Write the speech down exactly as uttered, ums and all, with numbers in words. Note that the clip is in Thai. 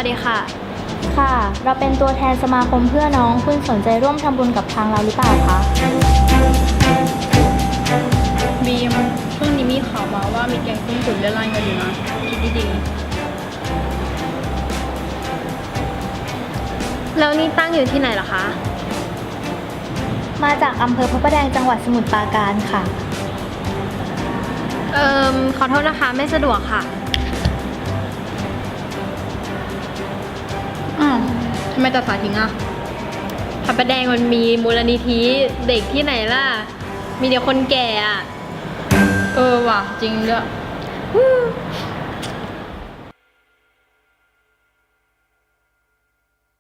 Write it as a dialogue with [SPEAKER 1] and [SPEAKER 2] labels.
[SPEAKER 1] ดีค่ะ
[SPEAKER 2] ค่ะ เราเป็นตัวแทนสมาคมเพื่อน้องคุณสนใจร่วมทำบุญกับทางเราหรือเปล่าคะ
[SPEAKER 1] บีมช่วงนี้มีข่าวมาว่ามีแก๊งต้มตุ๋นเล่นร่อนกันอยู่นะคิดดีๆแล้วนี่ตั้งอยู่ที่ไหนล่ะคะ
[SPEAKER 2] มาจากอำเภอพระประแดงจังหวัดสมุทรปราการค่ะ
[SPEAKER 1] เอ่มขอโทษนะคะไม่สะดวกค่ะอ้าวทำไมตัดสายทิ้งอ่ะพระประแดงมันมีมูลนิธิเด็กที่ไหนล่ะ มีเด็กคนแก่อ่ะ เออว่ะจริงด้วย